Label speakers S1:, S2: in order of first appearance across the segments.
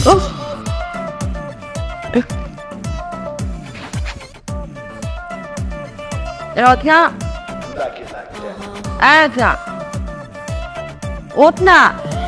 S1: ও রত্না, আচ্ছা ওঠ না।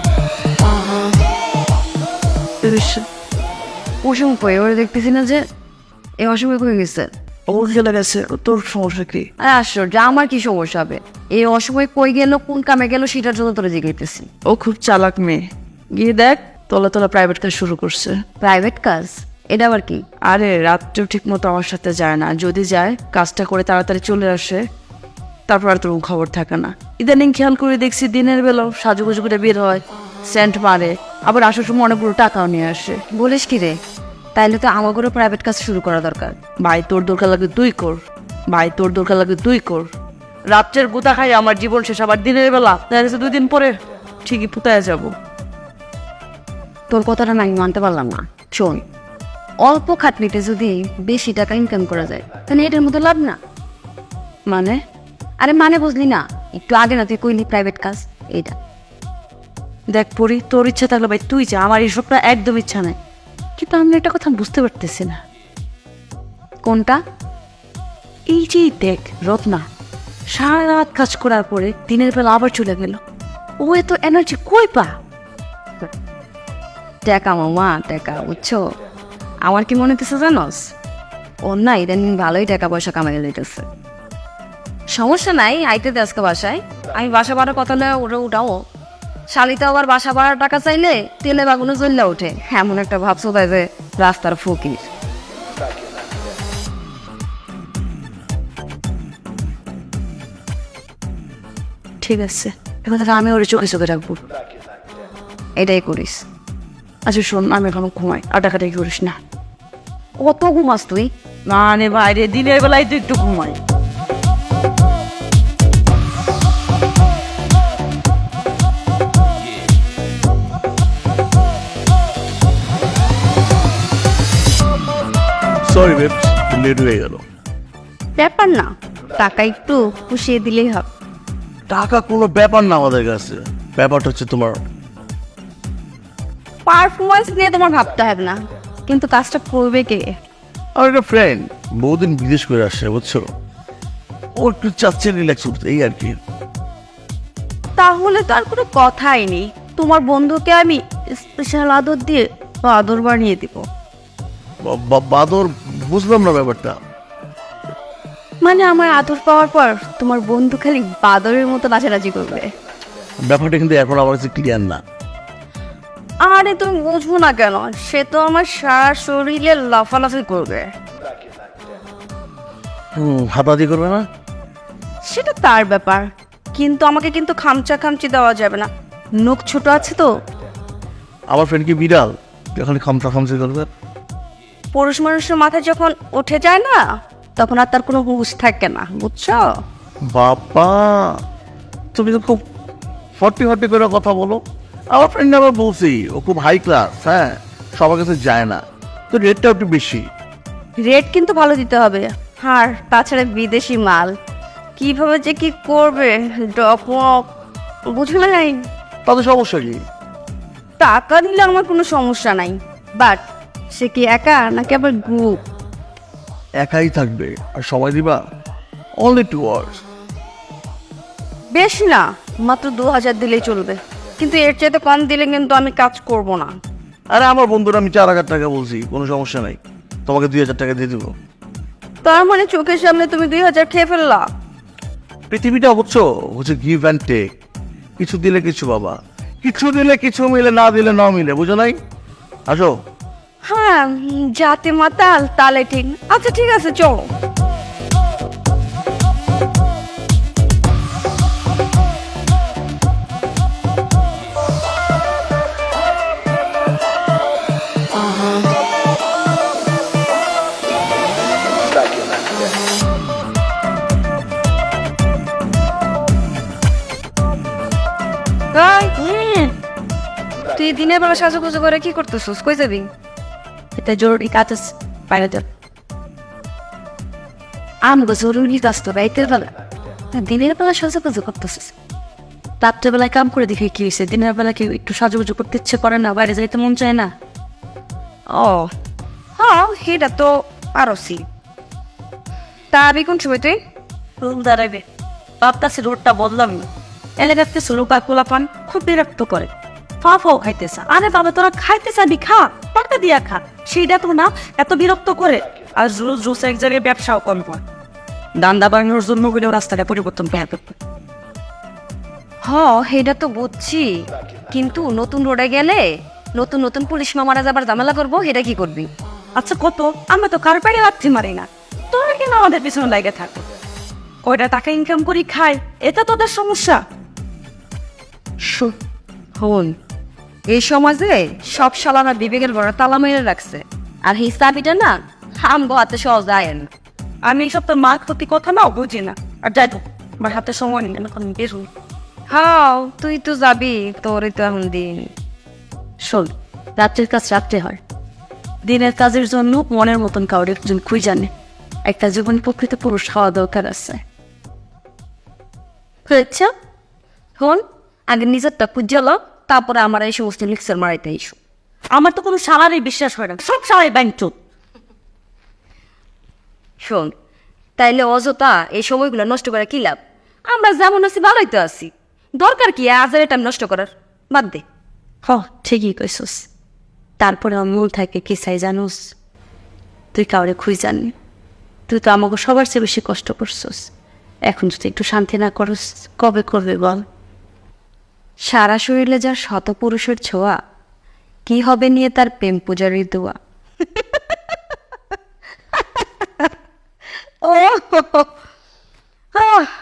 S1: কুসুম কই? ওরা দেখতেছি না যে এই অসময় কই গেছে?
S2: ওর চলে গেছে, তোর সমস্যা কি?
S1: আশ্চর্য, আমার কি সমস্যা হবে? এই অসময় কই গেল, কোন কামে গেল সেটার জন্য তোরা জিজ্ঞাসতেছি।
S2: ও খুব চালাক মেয়ে, গিয়ে দেখ তলা তলা প্রাইভেট কাজ শুরু করছে।
S1: প্রাইভেট কাজ? এটা আবার কি?
S2: আরে রাত্রেও ঠিক মতো আমার সাথে যায় না, যদি যায় কাজটা করে তাড়াতাড়ি চলে আসে, তারপর আর তোর খবর থাকে না। ইদানিং খেয়াল করে দেখছি দিনের বেলাও সাজুগুজু করে বের হয়, সেন্ট মারে, আবার আসার সময় অনেকগুলো টাকাও নিয়ে আসে।
S1: বলিস কি রে? তাইলে তো আমাদেরও প্রাইভেট কাজ শুরু করা দরকার।
S2: ভাই তোর দরকার লাগে তুই কর, ভাই তোর দরকার লাগে তুই কর। রাত্রের গুতা খাই আমার জীবন শেষ, আবার দিনের বেলা দেখা গেছে 2 দিন পরে ঠিকই পুতায় যাব।
S1: তোর কথাটা না আমি মানতে পারলাম না। শোন, অল্প খাটনিতে যদি বেশি টাকা ইনকাম করা যায় তাহলে এটার মতো লাভ না?
S2: মানে
S1: আরে মানে বুঝলি না? একটু আগে না তুই কইলি প্রাইভেট কাজ, এইটা।
S2: দেখ পরি, তোর ইচ্ছা থাকলে ভাই তুই যা, আমার এইসবটা একদম ইচ্ছা নাই। কিন্তু আমি একটা কথা বুঝতে পারতেছি না।
S1: কোনটা?
S2: এই যে দেখ রত্না সারা রাত কাজ করার পরে দিনের বেলা আবার চলে গেল, ও এত এনার্জি কই পা?
S1: টাকা মামা, টাকা, বুঝছো? আমার কি মনে হতেছে জানোস, ওর না ইদানিং ভালোই টাকা পয়সা কামাই লইতেছে। সমস্যা নাই, আইতে দে আজকে বাসায়, আমি বাসা ভাড়ার কথা লয়ে ওরে উঠাও। শালিতে আবার বাসা ভাড়ার টাকা চাইলে তেলে বাগুনে জ্বললে ওঠে, এমন একটা ভাবছো তাই যে রাস্তার ফকির।
S2: ঠিক আছে, এখন থেকে আমি ওর চোখে চোখে রাখবো।
S1: এটাই করিস।
S2: আচ্ছা শোন, আমি এখন ঘুমাই, আর টাকাটাকি করিস না।
S1: কত ঘুমাস তুই?
S2: মানে বাইরে দিনের বেলায় তো একটু ঘুমাই।
S3: সরি বেবস, লেট হয়ে গেল।
S1: ব্যাপার না, টাকা একটু পুষিয়ে দিলেই হবে।
S3: টাকা কোনো ব্যাপার না আমাদের কাছে, ব্যাপারটা হচ্ছে তোমার
S1: পারফরমেন্স নিয়ে তোমার ভাবতে হবে না, কিন্তু কাজটা করবে কে?
S3: আমার একটা ফ্রেন্ড বহুদিন বিদেশ করে আসছে, বুঝছো? ও একটু চাচ্ছে রিল্যাক্স করতে, এই আর কি।
S1: তাহলে তো আর কোনো কথাই নেই, তোমার বন্ধুকে আমি স্পেশাল আদর দিয়ে আদর বানিয়ে দিব।
S3: বাদর, বুঝলাম না ব্যাপারটা।
S1: মানে আমার আদর পাওয়ার পর তোমার বন্ধু খালি বাদরের মতো নাচানাচি করবে।
S3: ব্যাপারটা কিন্তু এখন আমার কাছে ক্লিয়ার না।
S1: আরে তুমি বুঝবো না কেন? সে তো আমার সারা শরীরে লাফালাফি করবে।
S3: হাতাহাতি করবে না?
S1: সেটা তার ব্যাপার, কিন্তু আমাকে কিন্তু খামচা খামচি দেওয়া যাবে না, নখ ছোট আছে তো।
S3: আমার ফ্রেন্ড কি বিড়াল যখন খামচা খামচি করবে?
S1: পুরুষ মানুষের মাথায় যখন উঠে যায় না, তখন আর তার কোনো হুঁশ থাকে না, বুঝছো?
S3: বাবা, তুমি তো খুব ফর্টি ফর্টি করে কথা বলো। আমার ফ্রেন্ড আবার বলছি ও খুব হাই ক্লাস, হ্যাঁ, সবার কাছে যায় না, তো রেটটা একটু বেশি।
S1: রেট কিন্তু ভালো দিতে হবে, আর তাছাড়া বিদেশি মাল, কিভাবে যে কি করবে ডকমক, বুঝলে নাই?
S3: তাদের সমস্যা কি?
S1: টাকা দিলে আমার কোনো সমস্যা নাই, বাট সে কি একা নাকি আবার গ্রুপ?
S3: একাই থাকবে আর সময় দিবা অনলি 2 আওয়ার্স।
S1: বেশি না, মাত্র 2000 দিলেই চলবে, কিন্তু এর চাইতে কম দিলে কিন্তু আমি কাজ করব না।
S3: আরে আমার বন্ধুরা আমি 4000 টাকা বলছি, কোনো সমস্যা নাই, তোমাকে 2000 টাকা দিয়ে দেবো।
S1: তার মানে চোখের সামনে তুমি 2000 খেয়ে ফেললা?
S3: পৃথিবীটা বুঝছো হচ্ছে গিভ অ্যান্ড টেক, কিছু দিলে কিছু বাবা, কিছু দিলে কিছু মিলে, না দিলে না মিলে, বুঝো নাই? আসো।
S1: হ্যাঁ, যাতে মাতাল তালে ঠিক। আচ্ছা ঠিক আছে, চলো। তুই দিনের বেলা সাজুগুজু করে কি করতেছিস? কই যাবি?
S2: এটা জরুরি কাজ আছে, বাইরে যাও।
S1: আমগো জরুরি কাজ তো রাইতের বেলা, দিনের বেলা সাজুগুজু করতেছিস?
S2: রাত্রেবেলায় কাম করে দেখে কি হয়েছে, দিনের বেলা কি একটু সাজুগুজু করতে ইচ্ছে করে না, বাইরে যাইতে মন চায় না?
S1: ও হ্যাঁ সেটা তো পারছি। তা আমি কোন সময় তুই
S2: রুম দাঁড়াবে ভাবতাছি রোডটা বদলাম না। এলাকাতে লোকা পোলাপান খুব বিরক্ত করে, ফা ফাও খাইতেছে। আরে বাবা তোরা খাইতে চাবি খা, টাকা দিয়া খা, সেইটা তো না এত বিরক্ত করে। আর রোজ রোজ এক জায়গায় ব্যবসাও কম হয়, দান্দা বাংলোর জন্য বলেও রাস্তাটা পরিবর্তন পেয়ে
S1: হ সেটা তো বুঝছি, কিন্তু নতুন রোডে গেলে নতুন নতুন পুলিশ মামারা যাবার ঝামেলা করবো, সেটা কি করবি?
S2: আচ্ছা কত, আমরা তো কার পাড়ে লাথি মারি না, তোরা কেন আমাদের পিছনে লাগে থাকো? কয়টা টাকা ইনকাম করি খাই, এটা তোদের সমস্যা?
S1: হন এই সমাজে সব শালারা বিবেকের বড় তালা মেরে রাখছে, আর এই চাবিটা না হাম গোয়াতে সহজ যায় না।
S2: আমি এইসব তোর মা ক্ষতি কথা নাও বুঝি না। আর যাই তো আমার হাতে সময় নেই, এখন বের হই।
S1: হাও তুই তো যাবি, তোরই তো এখন দিন।
S2: শোন, রাত্রের কাজ রাত্রে হয়, দিনের কাজের জন্য মনের মতন কাউরে একজন খুঁজানে একটা জীবন প্রকৃত পুরুষ হওয়া দরকার আছে।
S1: হয়েছে হন, আগে নিজেরটা খুঁজল, তারপরে আমার এই সমস্ত লিক্সার মারাইতে ইস্যু।
S2: আমার তো কোনো সালারই বিশ্বাস হয় না, সব সালাই ব্যাংচুত।
S1: শোন, তাইলে অযথা এই সময়গুলো নষ্ট করে কি লাভ? আমরা যেমন আছি ভালোই তো আছি, দরকার কি আজের টাইম নষ্ট করার? বাদ দে।
S2: হ ঠিকই কইসস, তারপরে আমার মূল থাকে কি চাই জানোস? তুই কাউরে খুঁজানি, তুই তো আমাকে সবার চেয়ে বেশি কষ্ট করছস। এখন যদি একটু শান্তি না করস কবে করবে বল?
S1: সারা শরীরে যার শত পুরুষের ছোঁয়া, কি হবে নিয়ে তার প্রেম পূজারীর দোয়া। ও আহ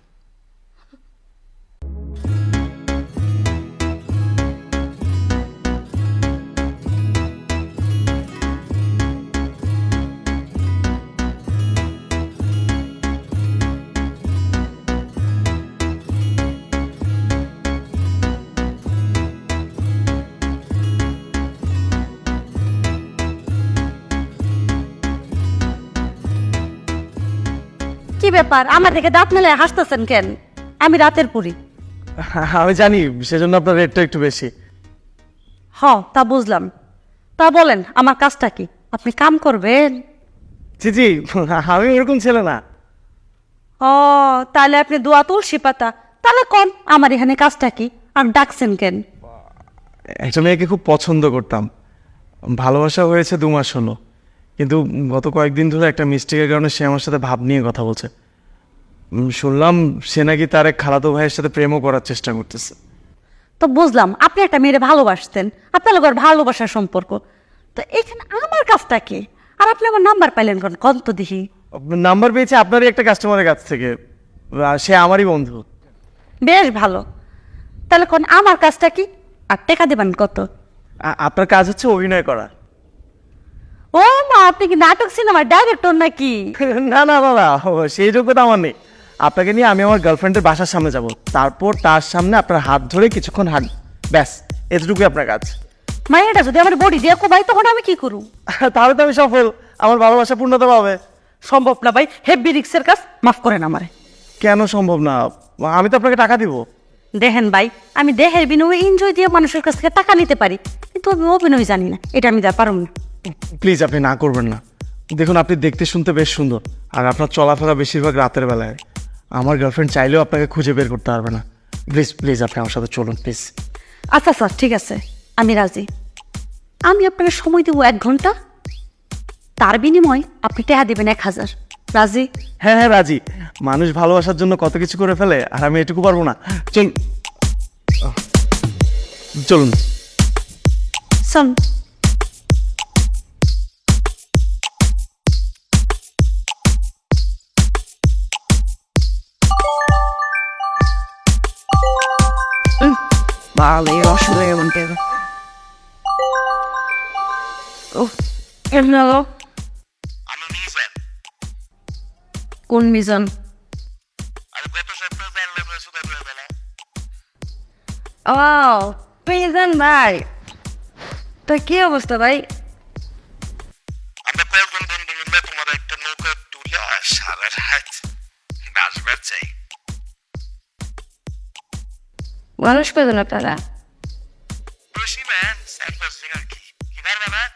S2: কি ব্যাপার, আমার দেখে দাঁত মেলে হাসতেছেন কেন? আমি রাতের পুরি।
S4: আমি জানি, সেজন্য আপনার রেটটা একটু বেশি।
S2: হ তা বুঝলাম, তা বলেন আমার কাজটা কি? আপনি কাম করবেন?
S4: জি জি, আমি এরকম ছেলে না।
S2: ও তাহলে আপনি দোয়া তুলসী পাতা, তাহলে কোন আমার এখানে কাজটা কি আর ডাকছেন কেন?
S4: একটা মেয়েকে খুব পছন্দ করতাম, ভালোবাসা হয়েছে 2 মাস হলো, কিন্তু গত কয়েকদিন ধরে একটা মিস্টেকের কারণে সে আমার সাথে ভাব নিয়ে কথা বলছে। শুনলাম সে নাকি তার এক খালাতো ভাইয়ের সাথে প্রেমও করার চেষ্টা করতেছে।
S2: তো বুঝলাম আপনি একটা মেয়েরে ভালোবাসতেন, আপনার লোকের ভালোবাসার সম্পর্ক, তো এখানে আমার কাজটা কি? আর আপনি আমার নাম্বার পাইলেন কোন? কত তো দেখি।
S4: নাম্বার পেয়েছে আপনারই একটা কাস্টমারের কাছ থেকে, সে আমারই বন্ধু।
S2: বেশ ভালো, তাহলে কোন আমার কাজটা কি আর টাকা দেবেন কত?
S4: আপনার কাজ হচ্ছে অভিনয় করা।
S2: ও মা, আপনি কি নাটক সিনেমার ডাইরেক্টর নাকি?
S4: না না না না, সেই যোগ্যতা আমার নেই। আপনাকে নিয়ে আমি আমার গার্লফ্রেন্ডের বাসার সামনে যাব, তারপর তার সামনে আপনার হাত ধরে কিছুক্ষণ হাঁট, ব্যাস এতটুকুই আপনার কাজ।
S2: মাইয়াটা যদি আমার বডি দিয়ে কোবাই তখন আমি কি করু?
S4: তাহলে তো আমি সফল, আমার ভালোবাসা পূর্ণতা পাবে।
S2: সম্ভব না ভাই, হেভি রিক্সের কাজ, মাফ করেন আমারে।
S4: কেন সম্ভব না? আমি তো আপনাকে টাকা দিব।
S2: দেখেন ভাই, আমি দেহের বিনিময়ে এনজয় দিয়ে মানুষের কাছ থেকে টাকা নিতে পারি, কিন্তু আমি অভিনয় জানি না, এটা আমি যা পারব না।
S4: প্লিজ আপনি না করবেন না। দেখুন আপনি দেখতে শুনতে বেশ সুন্দর, আর আপনার চলাফেরা বেশিরভাগ রাতের বেলায়, আমার গার্লফ্রেন্ড চাইলেও আপনাকে খুঁজে বের করতে পারবে না। প্লিজ প্লিজ আপনি আমার সাথে চলুন প্লিজ।
S2: আচ্ছা স্যার ঠিক আছে, আমি রাজি। আমি আপনাকে সময় দেবো 1 ঘন্টা, তার বিনিময়ে আপনি টাকা দেবেন 1000। রাজি?
S4: হ্যাঁ হ্যাঁ রাজি। মানুষ ভালোবাসার জন্য কত কিছু করে ফেলে, আর আমি এটুকু পারবো না। চলুন।
S2: শোন,
S1: ভালোই অসুবিধা এমন কেন? ও কেমন হলো? কোন মিজান? ও মিজান ভাই, তো কি অবস্থা ভাই?
S5: আমরা কয়েকজন বন্ধু মিলে তোমার একটা নৌকা তুলে সারা রাত বাসবার চাই।
S1: মানুষ পেতেন আপনারা?
S5: খুশি ম্যান, স্যাম্পার্সিং আর কি, কি পারবে না?